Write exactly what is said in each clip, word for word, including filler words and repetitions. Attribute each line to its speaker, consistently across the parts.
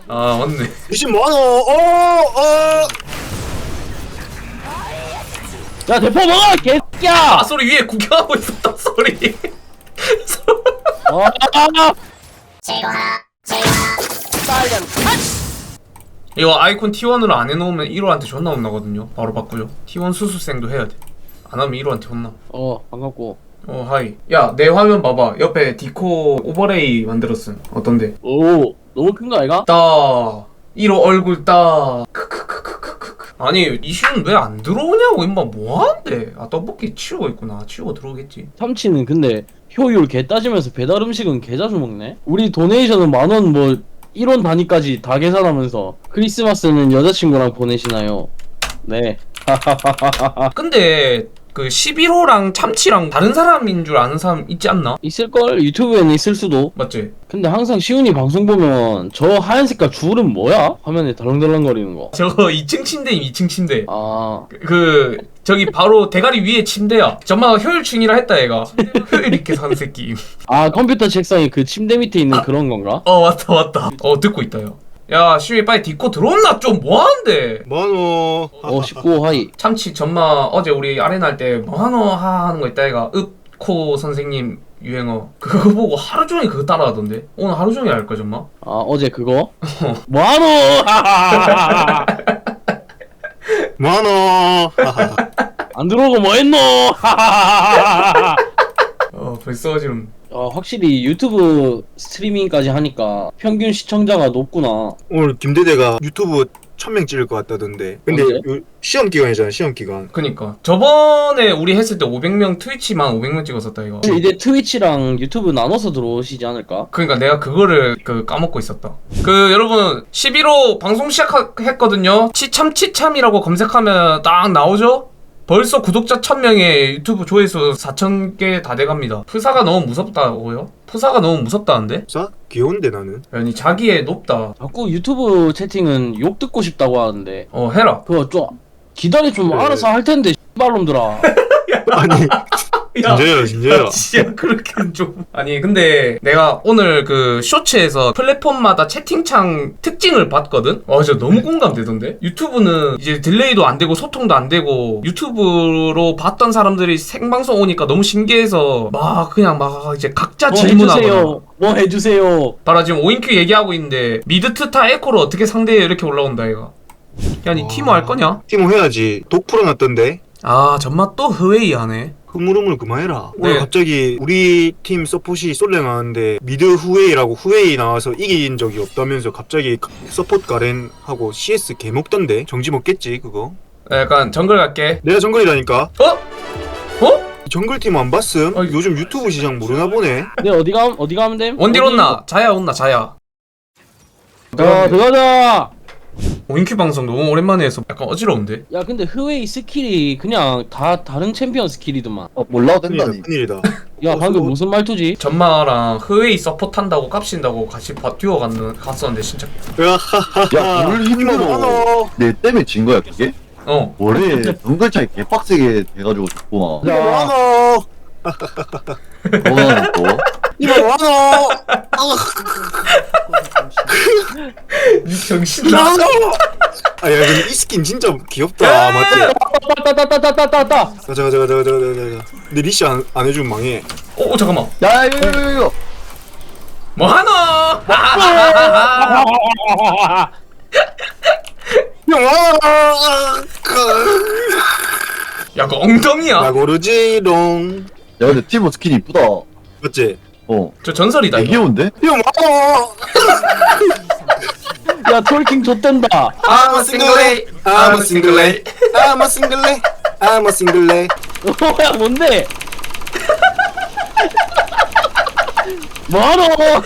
Speaker 1: 아 맞네.
Speaker 2: 이십 만원. 어, 어.
Speaker 3: 야 대포 먹어 개새끼야.
Speaker 1: 아 소리 위에 구경하고 있었다 소리.
Speaker 3: 어, 아,
Speaker 1: 이거 아이콘 티원으로 안 해놓으면 일호한테 존나 혼나거든요. 바로 바꾸죠. 티원 수수생도 해야 돼. 안 하면 일호한테 혼나.
Speaker 3: 어 반갑고.
Speaker 1: 어 하이. 야 내 화면 봐봐. 옆에 디코 오버레이 만들었음. 어떤데?
Speaker 3: 오 너무 큰 거 아이가?
Speaker 1: 따 일호 얼굴 따 크크크크크크. 아니 이슈는 왜 안 들어오냐고 임마 뭐하는데. 아 떡볶이 치우고 있구나. 치우고 들어오겠지.
Speaker 3: 참치는 근데 효율 개 따지면서 배달 음식은 개 자주 먹네. 우리 도네이션은 만 원 뭐 일 원 단위까지 다 계산하면서 크리스마스는 여자친구랑 보내시나요? 네.
Speaker 1: 근데 그 십일호랑 참치랑 다른 사람인 줄 아는 사람 있지 않나?
Speaker 3: 있을걸? 유튜브에는 있을 수도.
Speaker 1: 맞지?
Speaker 3: 근데 항상 시훈이 방송 보면 저 하얀 색깔 줄은 뭐야? 화면에 덜렁덜렁거리는 거.
Speaker 1: 저거 이 층 침대임 이 층 침대.
Speaker 3: 아
Speaker 1: 그, 그 저기 바로 대가리 위에 침대야. 전마가 효율충이라 했다 얘가. 효율 있게 사는 새끼.
Speaker 3: 아 컴퓨터 책상에 그 침대 밑에 있는 그런 건가?
Speaker 1: 어 맞다 맞다. 어 듣고 있다 야. 야 시위 빨리 디코 들어온나 좀 뭐하는데.
Speaker 2: 만원.
Speaker 3: 어 십구 하이.
Speaker 1: 참치 전마 어제 우리 아레나 할 때 뭐하노 하는 거 있다 얘가. 읍코 선생님 유행어 그거 보고 하루 종일 그거 따라하던데. 오늘 하루 종일 할 거야 전마.
Speaker 3: 아 어제 그거? 뭐하노?
Speaker 2: 만원.
Speaker 3: 안 들어오고 뭐했노?
Speaker 1: 어 벌써 지금
Speaker 3: 어, 확실히 유튜브 스트리밍까지 하니까 평균 시청자가 높구나.
Speaker 2: 오늘 김대대가 유튜브 천 명 찍을 것 같다던데. 근데
Speaker 3: 언제?
Speaker 2: 요 시험 기간이잖아. 시험 기간.
Speaker 1: 그니까 저번에 우리 했을 때 오백 명 트위치만 오백 명 찍었었다 이거.
Speaker 3: 이제 트위치랑 유튜브 나눠서 들어오시지 않을까?
Speaker 1: 그러니까 내가 그거를 그 까먹고 있었다. 그 여러분 십일호 방송 시작했거든요. 치참 치참이라고 검색하면 딱 나오죠? 벌써 구독자 천 명에 유튜브 조회수 사천 개 다 돼갑니다. 프사가 너무 무섭다고요? 프사가 너무 무섭다는데?
Speaker 2: 사? 귀여운데 나는.
Speaker 1: 아니 자기애 높다.
Speaker 3: 자꾸 유튜브 채팅은 욕 듣고 싶다고 하는데
Speaker 1: 어 해라.
Speaker 3: 그거 좀 기다려 좀
Speaker 2: 그래.
Speaker 3: 알아서 할 텐데 씨발놈들아.
Speaker 2: 아니 진짜요 진짜요.
Speaker 1: 진짜 그렇게는 좀 아니 근데 내가 오늘 그 쇼츠에서 플랫폼마다 채팅창 특징을 봤거든? 와 진짜 너무 공감되던데? 유튜브는 이제 딜레이도 안 되고 소통도 안 되고 유튜브로 봤던 사람들이 생방송 오니까 너무 신기해서 막 그냥 막 이제 각자
Speaker 3: 뭐
Speaker 1: 질문하거나
Speaker 3: 해주세요. 뭐 해주세요.
Speaker 1: 봐라 지금 오인큐 얘기하고 있는데 미드트타 에코를 어떻게 상대해 이렇게 올라온다 얘가. 야 니 티모 할 거냐?
Speaker 2: 티모 해야지. 독 풀어놨던데.
Speaker 1: 아 전마 또 흐웨이 하네.
Speaker 2: 흐물흐물 그만해라.
Speaker 1: 네.
Speaker 2: 오늘 갑자기 우리 팀 서폿이 솔랭 하는데 미드 후웨이라고 후웨이 나와서 이긴 적이 없다면서 갑자기 서폿 가렌 하고 씨에스 개먹던데. 정지 먹겠지 그거.
Speaker 1: 약간 정글 갈게.
Speaker 2: 내가 정글이라니까.
Speaker 1: 어? 어?
Speaker 2: 정글팀 안 봤음?
Speaker 1: 아이.
Speaker 2: 요즘 유튜브 시장 모르나 보네.
Speaker 3: 내 어디 가 어디 가면 돼?
Speaker 1: 원딜 온나? 자야 온나 자야.
Speaker 3: 자 들어가자.
Speaker 1: 오인큐 방송 너무 오랜만에 해서 약간 어지러운데?
Speaker 3: 야 근데 흐웨이 스킬이 그냥 다 다른 챔피언 스킬이더만.
Speaker 4: 어 몰라도
Speaker 2: 큰일이다
Speaker 4: 된다니.
Speaker 2: 큰일이다.
Speaker 3: 야
Speaker 2: 어,
Speaker 3: 방금
Speaker 2: 수고.
Speaker 3: 무슨 말투지?
Speaker 1: 전마랑 흐웨이 서포트 한다고 값신다고 같이 바, 듀오 갔는, 갔었는데 진짜
Speaker 2: 야하하하.
Speaker 4: 야, 뭘 힘들어.
Speaker 2: 많어.
Speaker 4: 내 때문에 진 거야 그게?
Speaker 1: 어
Speaker 4: 원래 정글 차이 개빡세게 돼가지고 졌구나.
Speaker 2: 이거 많어.
Speaker 4: 그거는 또
Speaker 2: 이거 많어.
Speaker 1: 정신
Speaker 2: 많어. 아야 근데 이 스킨 진짜 귀엽다. 맞지?
Speaker 3: 따따따따따따따.
Speaker 2: 가자 가자 가자 가자 가자 가자. 근데 리시 안, 안 해주면 망해.
Speaker 1: 오, 오 잠깐만
Speaker 4: 야 이거 이거 이거, 이거.
Speaker 1: 뭐하노? 야 그 엉덩이야.
Speaker 2: 나 고르지롱.
Speaker 4: 야 근데 티모 스킨 이쁘다.
Speaker 2: 맞지?
Speaker 4: 어.
Speaker 1: 저 전설이다 이거.
Speaker 4: 귀여운데?
Speaker 2: 형 많어.
Speaker 3: 야 톨킹 좆된다.
Speaker 2: I'm a single A. I'm a single A. I'm a single A. I'm a single A.
Speaker 3: 뭐야 뭔데? 뭐하노?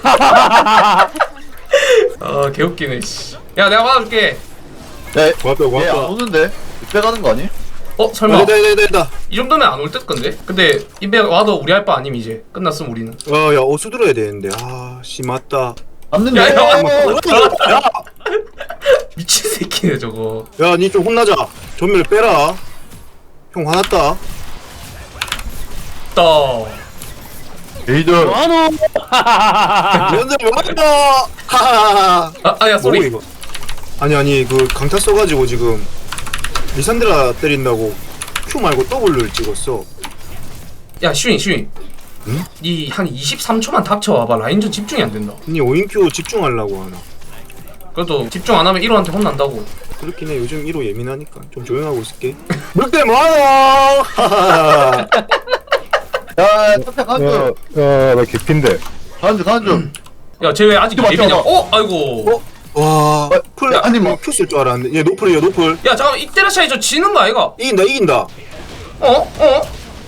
Speaker 1: 아 개웃기네 씨. 야 내가 받아줄게.
Speaker 4: 야,
Speaker 2: 고맙다
Speaker 4: 얘 안
Speaker 2: 고맙다.
Speaker 4: 오는데? 빼가는 거 아니?
Speaker 1: 어 설마
Speaker 2: 아, 됐다 됐다 됐다.
Speaker 1: 이 정도면 안 올 듯 건데? 근데 인베 와도 우리 할 바 아님 이제 끝났음 우리는.
Speaker 2: 어야 어수 들어야 되는데. 아씨 맞다.
Speaker 4: 맞는데?
Speaker 1: 야, 야,
Speaker 2: 야,
Speaker 1: 미친 새끼네 저거.
Speaker 2: 야, 니 좀 혼나자. 전멸 빼라. 형 화났다.
Speaker 1: 떠.
Speaker 4: 레이저.
Speaker 3: 만원.
Speaker 2: 연장 맞다. 하하하.
Speaker 1: 아, 아야
Speaker 2: 뭐고
Speaker 1: 쏘리.
Speaker 2: 이거? 아니 아니 그 강타 써가지고 지금 리산드라 때린다고 Q 말고 W를 찍었어.
Speaker 1: 야 슈인 슈인.
Speaker 2: 응?
Speaker 1: 니한 이십삼 초만 닥쳐와봐. 라인전 집중이 안 된다.
Speaker 2: 니 오인 Q 집중하려고 하나?
Speaker 1: 그래도 집중 안 하면 일 호한테 혼난다고.
Speaker 2: 그렇긴 해. 요즘 일 호 예민하니까 좀 조용하고 있을게. 늑대 많아. 하하하.
Speaker 4: 야, 탑탑 간주.
Speaker 5: 야나 개핀데.
Speaker 4: 간주, 간주.
Speaker 1: 야 쟤 왜 아직
Speaker 4: 이거
Speaker 1: 예비냐?
Speaker 4: 맞잖아.
Speaker 1: 어? 아이고.
Speaker 2: 어? 와.
Speaker 4: 어,
Speaker 2: 풀
Speaker 4: 야, 아니, 뭐.
Speaker 2: Q 쓸 줄 알았는데. 얘 노플이야 노플.
Speaker 1: 야 잠깐만 이때라 차이 저 지는 거 아이가?
Speaker 2: 이긴다 이긴다.
Speaker 1: 어? 어?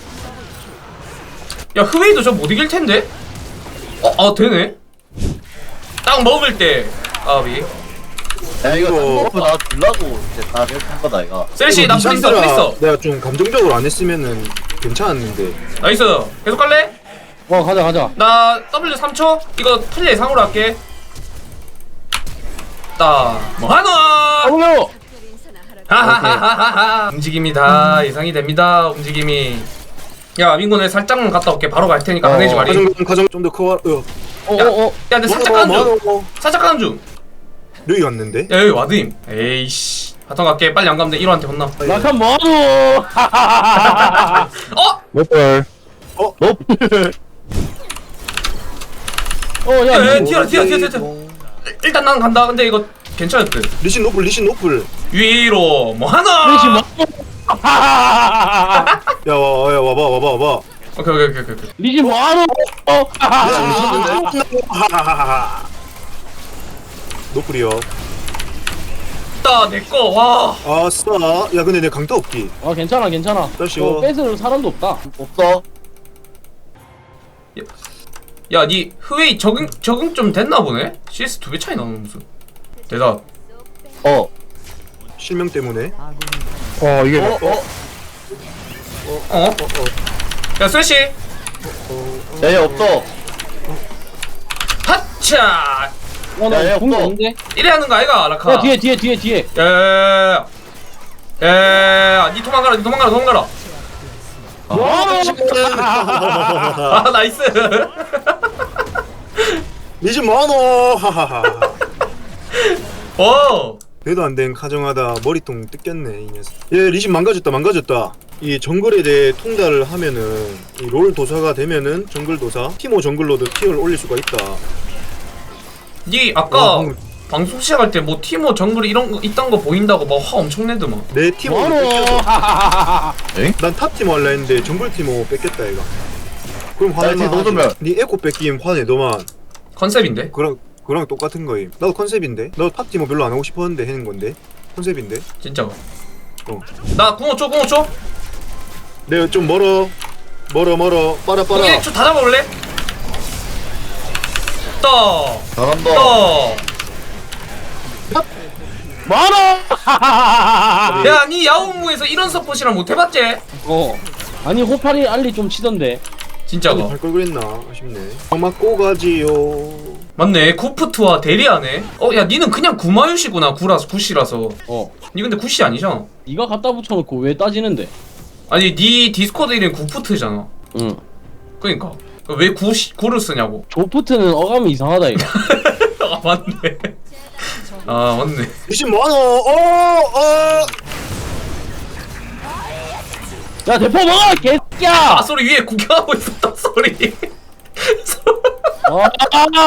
Speaker 1: 야 흐웨이도 저 못 이길 텐데? 어? 아 되네? 딱 먹을 때 아비
Speaker 4: 야, 이거
Speaker 2: 이거-
Speaker 4: 탑버프 나 주려고 이제 다 이렇게 한 거다, 이거.
Speaker 1: 셀시
Speaker 2: 이거
Speaker 1: 나 프리스
Speaker 2: 리산드라
Speaker 1: 프리스
Speaker 2: 내가 좀 감정적으로 안 했으면은 괜찮았는데.
Speaker 1: 나이스 계속 갈래?
Speaker 3: 어 가자 가자.
Speaker 1: 나 W 삼 초 이거 플레이 예상으로 할게 따 뭐하노
Speaker 3: 어머요.
Speaker 1: 하하하하하 움직임이 다 예상이 됩니다 움직임이 야 민구네 살짝만 갔다 올게 바로 갈 테니까
Speaker 3: 어.
Speaker 1: 화내지 마리
Speaker 2: 가정 가정 좀 더 커. 어.
Speaker 3: 어어 어.
Speaker 1: 야 내 살짝 가는 중
Speaker 2: 뭐
Speaker 1: 살짝 가는 중
Speaker 2: 여기 갔는데?
Speaker 1: 야 여기 와드임 에이씨 바텀 갈게 빨리 안 가면 돼 일 호한테 혼나
Speaker 3: 낙한 뭐하노.
Speaker 1: 어?
Speaker 5: 몇벌
Speaker 3: 어야
Speaker 1: 야, 야, 튀어, 튀어, 튀어, 튀어. 일단 난 간다 근데 이거 괜찮을 듯
Speaker 2: 리신 노플 리신 노플.
Speaker 1: 위로 뭐하노
Speaker 3: 리신 뭐?
Speaker 2: 야, 와, 야, 와봐, 와봐, 와봐.
Speaker 1: 오케이 오케이 오케이 오케이
Speaker 3: 리신 뭐하노. 어.
Speaker 2: 하하하하. 노플이요.
Speaker 1: 따 내꺼 와
Speaker 2: 아싸. 야, 근데 내 강타 없기.
Speaker 3: 아 괜찮아 괜찮아.
Speaker 2: 다시
Speaker 3: 어,
Speaker 2: 와.
Speaker 3: 뺏을 사람도 없다.
Speaker 4: 없어.
Speaker 1: 야, 니 흐웨이 적응 적응 좀 됐나 보네. 씨에스 두 배 차이 나는 무슨. 대답.
Speaker 4: 어.
Speaker 2: 실명 때문에.
Speaker 5: 어 이게
Speaker 4: 어, 어.
Speaker 1: 어? 야, 슬래시.
Speaker 4: 야, 얘 없어.
Speaker 1: 하차.
Speaker 3: 어나
Speaker 4: 야, 야,
Speaker 3: 궁이
Speaker 4: 없어.
Speaker 3: 없는데.
Speaker 1: 이래 하는 거 아이가, 라카.
Speaker 3: 야 뒤에 뒤에 뒤에 뒤에.
Speaker 1: 야, 야, 니 도망가라, 니 도망가라, 도망가라. 아, 나이스.
Speaker 2: 리신 뭐하노? 하하하.
Speaker 1: 오.
Speaker 2: 대도 안 된 가정하다 머리통 뜯겼네 이 녀석. 얘 리신 망가졌다 망가졌다. 이 정글에 대해 통달을 하면은 이 롤 도사가 되면은 정글 도사 티모 정글로도 티어를 올릴 수가 있다.
Speaker 1: 니 아까
Speaker 2: 와, 방금-
Speaker 1: 방송 시작할 때 뭐 티모 정글 이런 거 이딴 거 보인다고 막 화 엄청 내더만.
Speaker 2: 내 티모를
Speaker 3: 뭐하노.
Speaker 2: 뺏겼어. 난 탑 티모 할라 했는데 정글 티모 뺏겼다 얘가. 그럼
Speaker 4: 야,
Speaker 2: 화낼만
Speaker 4: 지금 너도
Speaker 2: 하지. 네 에코 뺏김 화내더만.
Speaker 1: 컨셉인데.
Speaker 2: 그랑 그랑 똑같은 거임. 나도 컨셉인데. 나도 탑 티모 별로 안 하고 싶었는데 하는 건데. 컨셉인데.
Speaker 1: 진짜.
Speaker 2: 어.
Speaker 1: 나 궁호 줘, 궁호 줘.
Speaker 2: 내가 좀 멀어. 멀어 멀어. 빨아 빨아.
Speaker 1: 일 초 다 잡아볼래? 떠.
Speaker 4: 잘한다.
Speaker 1: 떠.
Speaker 3: 뭐하노.
Speaker 1: 야, 니 야옹무에서 이런 서폿이랑 못 해봤지?
Speaker 3: 어. 아니 호파리 알리 좀 치던데.
Speaker 1: 진짜가.
Speaker 2: 할걸 그랬나 아쉽네. 맞고 가지요.
Speaker 1: 맞네. 구프트와 대리하네. 어, 야, 니는 그냥 구마유시구나. 구라서 구시라서.
Speaker 3: 어.
Speaker 1: 니 근데 구시 아니잖아.
Speaker 3: 네가 갖다 붙여놓고 왜 따지는데?
Speaker 1: 아니, 니 디스코드 이름 구프트잖아.
Speaker 3: 응.
Speaker 1: 그니까. 왜 구시 구를 쓰냐고.
Speaker 3: 조프트는 어감이 이상하다 이거.
Speaker 1: 아, 맞네. 아, 맞네.
Speaker 2: 리신 뭐하노? 어 어.
Speaker 3: 야 대포 먹어
Speaker 1: 아,
Speaker 3: 개새끼야.
Speaker 1: 소리 위에 구경하고 있었다 소리.
Speaker 3: 아,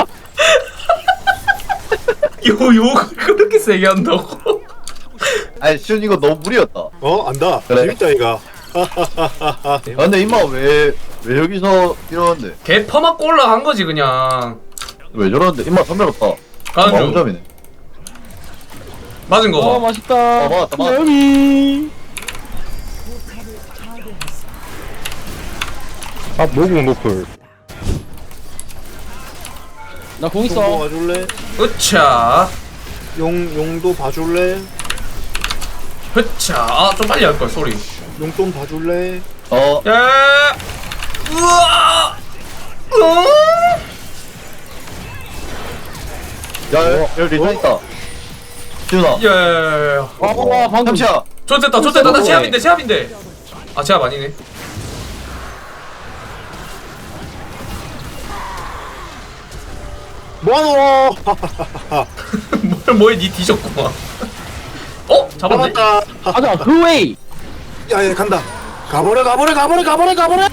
Speaker 1: 요 욕을 그렇게 세게 한다고?
Speaker 4: 아니, 시훈 이거 너무 무리였다.
Speaker 2: 어 안다.
Speaker 4: 그래.
Speaker 2: 재밌다 이가.
Speaker 4: 아, 근데 임마 왜, 왜 여기서 이러는데?
Speaker 1: 개 퍼맞고 올라간 거지 그냥.
Speaker 4: 왜 저러는데? 임마 선배롭다.
Speaker 1: 가는 중.
Speaker 4: 점이네.
Speaker 1: 맞은 거
Speaker 3: 어
Speaker 1: 봐.
Speaker 3: 맛있다.
Speaker 4: 어, 맞았다, 맞았다.
Speaker 3: 여미.
Speaker 5: 아 모공 노플.
Speaker 3: 나공
Speaker 2: 용도
Speaker 3: 있어.
Speaker 2: 봐줄래?
Speaker 1: 으차.
Speaker 2: 용 용도 봐줄래?
Speaker 1: 흐차. 아, 좀 빨리 할 걸 소리.
Speaker 2: 용돈 봐줄래?
Speaker 4: 어,
Speaker 1: 야. 우와. 어?
Speaker 4: 야, 야, 여기 리전 있다. 시훈아.
Speaker 1: 야.
Speaker 3: 아 방금.
Speaker 4: 잠시야.
Speaker 1: 좋됐다, 좋됐다. 나 제압인데, 제압인데. 아, 제압 아니네.
Speaker 2: 뭐하노?
Speaker 1: 뭘 뭐에 니 뒤졌구만. 어? 잡았네?
Speaker 2: 잡았다.
Speaker 3: 가자 그 웨이.
Speaker 2: 야야 간다. 가버려 가버려 가버려 가버려 가버려.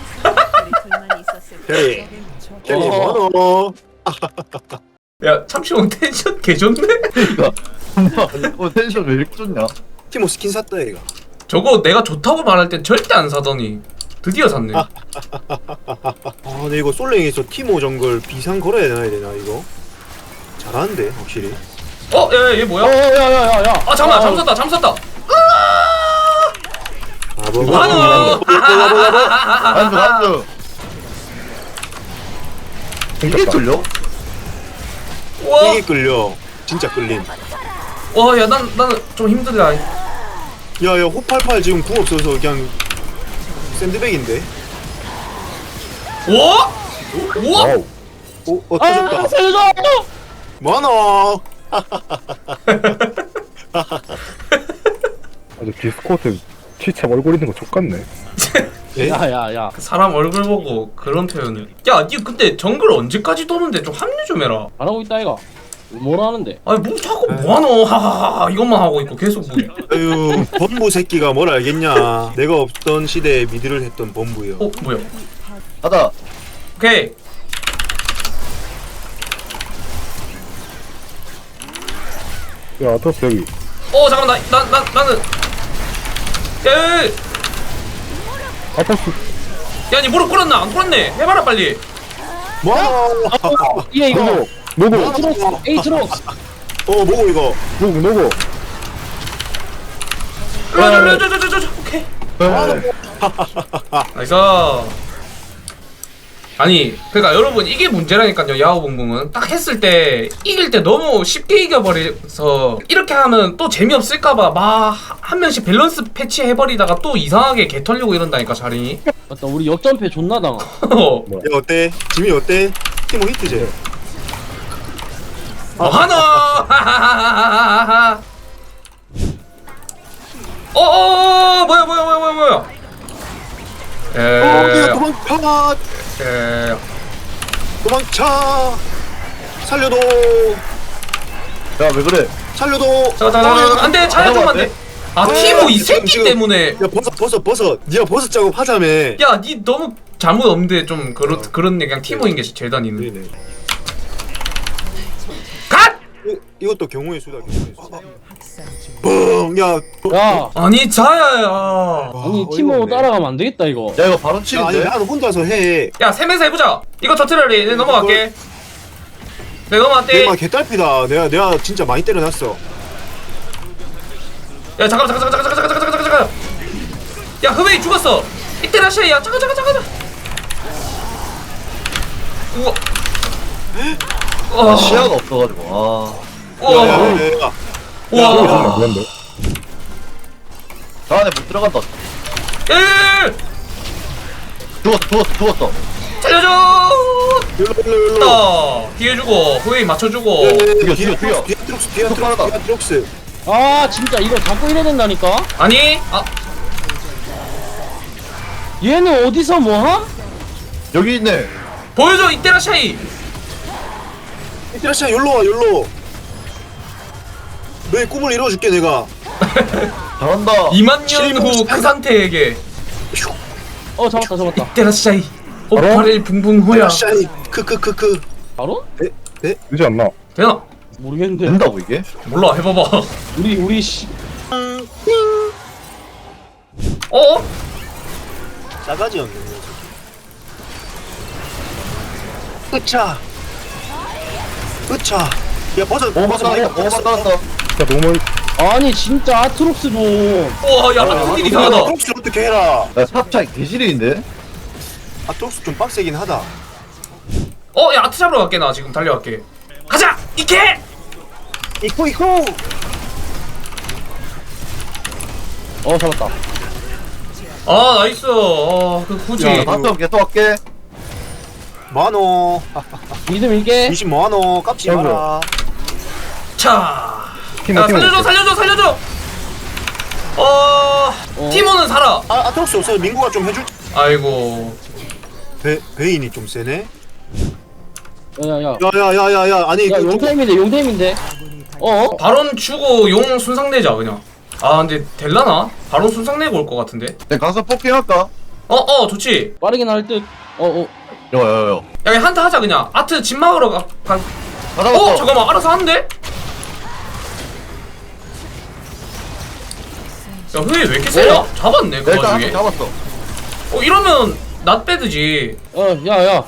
Speaker 2: 캐리 캐리
Speaker 3: 어.
Speaker 2: 뭐하노?
Speaker 1: 야 참치형 텐션 개좋네?
Speaker 4: 그니까 어 텐션 왜 이렇게 좋냐?
Speaker 2: 티모 스킨 샀다 얘가.
Speaker 1: 저거 내가 좋다고 말할 땐 절대 안 사더니 드디어 샀네.
Speaker 2: 아 근데 이거 솔랭에서 티모 정글 비상 걸어야 되나 되나 이거? 잘하는데 확실히.
Speaker 1: 어? 야얘 얘 뭐야?
Speaker 3: 어야야야야.
Speaker 1: 아 잠깐만 잠섰다 잠섰다.
Speaker 2: 아 뭐?
Speaker 1: 한우!
Speaker 4: 안주 안주 이게 뚫려?
Speaker 1: 와,
Speaker 2: 이게 끌려. 진짜 끌림.
Speaker 1: 와, 야, 난 나는 좀 힘들다.
Speaker 2: 야야 호팔팔 지금 궁 없어서 그냥 샌드백인데.
Speaker 1: 와, 와,
Speaker 5: 와우.
Speaker 2: 오, 어
Speaker 3: 아
Speaker 2: 터졌다.
Speaker 3: 살려줘.
Speaker 2: 뭐하노?
Speaker 5: 아주 디스코트 치참 얼굴 있는 거 족같네.
Speaker 2: 예?
Speaker 3: 야야야.
Speaker 1: 사람 얼굴 보고 그런 표현을. 야, 니 근데 정글 언제까지 도는데 좀 합류 좀 해라.
Speaker 3: 잘하고 있다 이가. 뭐라 하는데?
Speaker 1: 아니 뭐 자꾸 뭐하노? 하하하 이것만 하고 있고 계속 뭐.
Speaker 2: 아유 범부 새끼가 뭘 알겠냐. 내가 없던 시대에 미드를 했던 범부요.
Speaker 1: 어, 뭐야?
Speaker 4: 가자.
Speaker 1: 오케이.
Speaker 5: 야 아토스 여기.
Speaker 1: 어, 잠깐 나나 나 나는. 야, 야,
Speaker 5: 아토스.
Speaker 1: 야, 니 무릎 꿇었나? 안 꿇었네. 해봐라 빨리.
Speaker 2: 뭐하노?
Speaker 3: 얘 이거.
Speaker 5: 노고.
Speaker 3: 에이트록스 에이트록스.
Speaker 2: 어 뭐고 이거?
Speaker 5: 노고 노고.
Speaker 1: 저저저저저 오케이.
Speaker 4: 네.
Speaker 1: 나이스. 아니 그러니까 여러분 이게 문제라니까요. 야구봉봉은 딱 했을 때 이길 때 너무 쉽게 이겨버려서 이렇게 하면 또 재미없을까봐 막 한 명씩 밸런스 패치 해버리다가 또 이상하게 개 털리고 이런다니까 자린이.
Speaker 3: 맞다 우리 역전패 존나 당하.
Speaker 2: 야 어때? 지민 어때? 티모 히트제.
Speaker 1: 어 하나. 어어 뭐야 뭐야 뭐야 뭐야 뭐야.
Speaker 2: 어,
Speaker 1: 에.
Speaker 2: 야 도망쳐!
Speaker 1: 에.
Speaker 2: 도망쳐! 살려도!
Speaker 4: 야 왜 그래?
Speaker 2: 살려도!
Speaker 1: 잠깐 잠깐 잠깐 안돼 차야 좀 안돼. 아 티모 이 새끼
Speaker 2: 지금-
Speaker 1: 때문에.
Speaker 2: 야 버섯 버섯 버섯! 니가 버섯 작업 하자며!
Speaker 1: 야, 니 너무 잘못 없는데 좀 그런 그런 그냥 티모인 게 제일 다니는.
Speaker 2: 네네.
Speaker 1: 갓!
Speaker 2: 이, 이것도 경우의 수다 경우의 수다. 뻥! 야!
Speaker 3: 야.
Speaker 1: 아니 자야야.
Speaker 3: 아니
Speaker 2: 어이가
Speaker 3: 티모
Speaker 2: 없네.
Speaker 3: 따라가면 안 되겠다 이거.
Speaker 4: 야 이거 바로
Speaker 2: 야, 아니
Speaker 4: 칠인데?
Speaker 2: 나는 혼자서 해.
Speaker 1: 야, 세 명이서 해보자. 이거 터트려리. 내 넘어갈게. 내 넘어갈게.
Speaker 2: 내가 개딸피다. 내가 내가 진짜 많이 때려놨어.
Speaker 1: 야, 잠깐 잠깐 잠깐 잠깐 잠깐 잠깐 잠깐 잠깐. 야, 흐웨이 죽었어. 이때라시야. 잠깐 잠깐 잠깐. 우와.
Speaker 4: 아,
Speaker 1: 와.
Speaker 4: 시야가 없어가지고 아
Speaker 1: 우와.
Speaker 2: 야야야야.
Speaker 5: 이거
Speaker 1: 우와.
Speaker 5: 정말 그런데.
Speaker 4: 저 안에 못 들어간다.
Speaker 1: 예.
Speaker 4: 죽었어 죽었어 죽었어.
Speaker 1: 살려줘.
Speaker 2: 일로 일로 일로.
Speaker 1: 딱 뒤에 주고 흐웨이 맞춰주고.
Speaker 4: 죽여, 죽여, 죽여.
Speaker 2: 디아트록스 디아트록스
Speaker 4: 속발하다.
Speaker 2: 디아트록스.
Speaker 3: 아 진짜 이거 자꾸 이래야 된다니까.
Speaker 1: 아니. 아.
Speaker 3: 얘는 어디서 뭐함?
Speaker 4: 여기 있네.
Speaker 1: 보여줘 이때라샤이.
Speaker 2: 이때라시야 열로 와 열로. 너의 꿈을 이루어줄게 내가.
Speaker 4: 잘한다.
Speaker 1: 이만 년 후 그 상태에게
Speaker 3: 어 잡았다 잡았다.
Speaker 1: 이때라샤이. 오팔일 붕붕 호야.
Speaker 2: 샤이 크크크크.
Speaker 3: 바로?
Speaker 5: 되지 않나?
Speaker 1: 되나?
Speaker 3: 모르겠는데.
Speaker 4: 된다고 이게?
Speaker 1: 몰라 해봐봐.
Speaker 3: 우리 우리 씨.
Speaker 1: 어?
Speaker 2: 싸가지 없는 녀석. 으차. 으차. 야 버섯
Speaker 4: 오만
Speaker 2: 버섯
Speaker 4: 따랐어.
Speaker 2: 많이
Speaker 4: 오만 따랐어.
Speaker 5: 야 너무
Speaker 3: 아니 진짜 아트록스 좀.
Speaker 1: 우와 야 라크딜 이상하다.
Speaker 2: 아트록스 어떻게 해라.
Speaker 4: 야 탑차이 개질인데?
Speaker 2: 아트록스 좀 빡세긴 하다.
Speaker 1: 어 야 아트 잡으러 갈게 나 지금 달려갈게. 가자 이케.
Speaker 2: 이코 이코.
Speaker 3: 어 잡았다.
Speaker 1: 아 나이스. 어그 굳이.
Speaker 2: 야,
Speaker 4: 다음 계속 할게.
Speaker 2: 뭐하노.
Speaker 3: 믿음 일게.
Speaker 2: 미신 뭐하노. 깝지
Speaker 5: 아이고.
Speaker 2: 마라.
Speaker 1: 자.
Speaker 5: 티모,
Speaker 1: 야
Speaker 5: 티모.
Speaker 1: 살려줘 살려줘 살려줘. 어.
Speaker 3: 어.
Speaker 1: 티모는 살아.
Speaker 2: 아 아트록스 없어. 민구가 좀 해줄.
Speaker 1: 아이고.
Speaker 2: 베 베인이 좀 세네.
Speaker 3: 야야야.
Speaker 2: 야야야야야 아니
Speaker 3: 야
Speaker 2: 그 좀-
Speaker 3: 용타임인데 용타임인데. 어?
Speaker 1: 바론 주고 용 순상 내자 그냥. 아 근데 될라나? 바론 순상 내고 올 것 같은데.
Speaker 4: 내가 가서 뽑기할까?
Speaker 1: 어어 좋지.
Speaker 3: 빠르긴 할 듯. 어 어.
Speaker 4: 여여여
Speaker 1: 야 그냥 한타 하자 그냥. 아트 집 막으러 가. 가.
Speaker 4: 가자
Speaker 1: 어 잠깐만 알아서 하는데? 야 흐이 왜 이렇게 세냐? 잡았네 그
Speaker 4: 일단
Speaker 1: 와중에.
Speaker 4: 한번 잡았어.
Speaker 1: 어 이러면 낫 빼드지.
Speaker 3: 어 야야.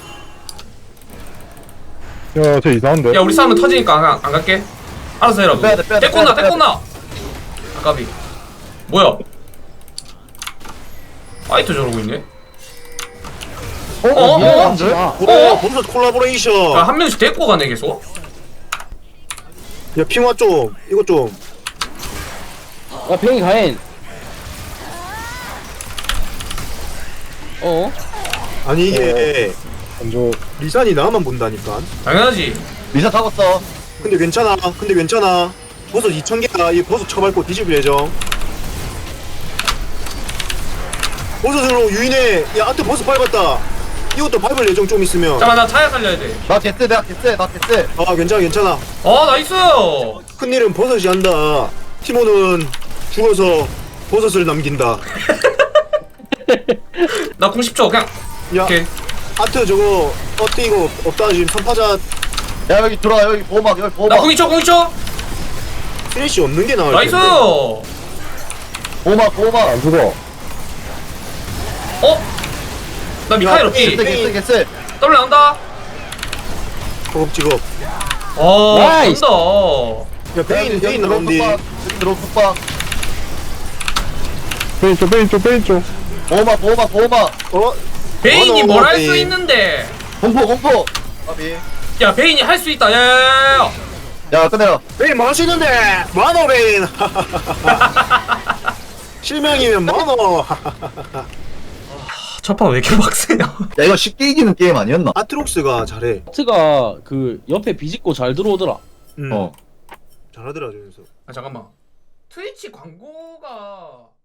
Speaker 5: 야쟤 이상한데.
Speaker 1: 야 우리 싸우면 터지니까 안, 가- 안 갈게. 알아서 해라.
Speaker 4: 빼야 돼, 빼야 돼,
Speaker 1: 떼꼬나
Speaker 4: 빼야 돼,
Speaker 1: 떼꼬나. 아까비. 뭐야? 파이터 저러고 있네.
Speaker 4: 어?
Speaker 1: 어?
Speaker 4: 어?
Speaker 3: 야,
Speaker 4: 안 돼?
Speaker 3: 아,
Speaker 2: 그래
Speaker 1: 어?
Speaker 2: 버섯 콜라보레이션.
Speaker 1: 야, 한 명씩 데리고 가네 계속.
Speaker 2: 야 핑화 좀 이거 좀.
Speaker 3: 야 병이 가인. 어?
Speaker 2: 아니 이게
Speaker 5: 먼저
Speaker 2: 리산이 나만 본다니까.
Speaker 1: 당연하지.
Speaker 4: 리사 잡았어.
Speaker 2: 근데 괜찮아. 근데 괜찮아. 버섯 이천 개야. 이 버섯 쳐밟고 뒤집을 예정. 버섯으로 유인해. 야 아트 버섯 밟았다. 이것도 밟을 예정 좀 있으면.
Speaker 1: 잠깐만 나 차야 살려야 돼.
Speaker 4: 나 개쎄 내가 개쎄 나 개쎄.
Speaker 2: 아 괜찮아 괜찮아.
Speaker 1: 어 나이스.
Speaker 2: 큰일은 버섯이 한다. 티모는 죽어서 버섯을 남긴다.
Speaker 1: 나 궁 십 초 그냥.
Speaker 2: 야
Speaker 1: 오케이.
Speaker 2: 아트 저거 어때 이거 없다 지금 선파자
Speaker 4: 야 여기 들어와 여기 보호막 여기
Speaker 1: 나
Speaker 4: 보호막.
Speaker 1: 궁 이 초 궁 이 초.
Speaker 2: 스레시 없는 게 나을
Speaker 1: 나이스.
Speaker 2: 텐데.
Speaker 4: 보호막 보호막.
Speaker 5: 안 죽어.
Speaker 1: 어? 나 미카엘 없지.
Speaker 4: 개쎄 개쎄 개쎄.
Speaker 1: 더블 나온다.
Speaker 2: 허겁지겁.
Speaker 1: 어
Speaker 3: 나이스.
Speaker 1: 간다.
Speaker 2: 야 베인 베인 나온디.
Speaker 4: 여기 들어 속박.
Speaker 5: 페인 쪽 페인 쪽 페인 쪽.
Speaker 4: 보호막 보호막 보호막.
Speaker 2: 어?
Speaker 1: 베인이
Speaker 2: 어,
Speaker 1: 뭘 할
Speaker 2: 베인.
Speaker 1: 수 있는데.
Speaker 4: 공포 공포. 아비.
Speaker 1: 야 베인이 할 수 있다. 야야야야.
Speaker 4: 야 끝내라.
Speaker 2: 베인 뭐할 수 있는데 만호 베인. 실명이면 만호.
Speaker 1: 첫판 왜 이렇게 빡세냐?
Speaker 4: 야 이거 쉽게 이기는 게임 아니었나?
Speaker 2: 아트록스가 잘해.
Speaker 3: 아트가 그 옆에 비집고 잘 들어오더라.
Speaker 2: 음.
Speaker 4: 어.
Speaker 2: 잘하더라 저기서.
Speaker 1: 아 잠깐만. 트위치 광고가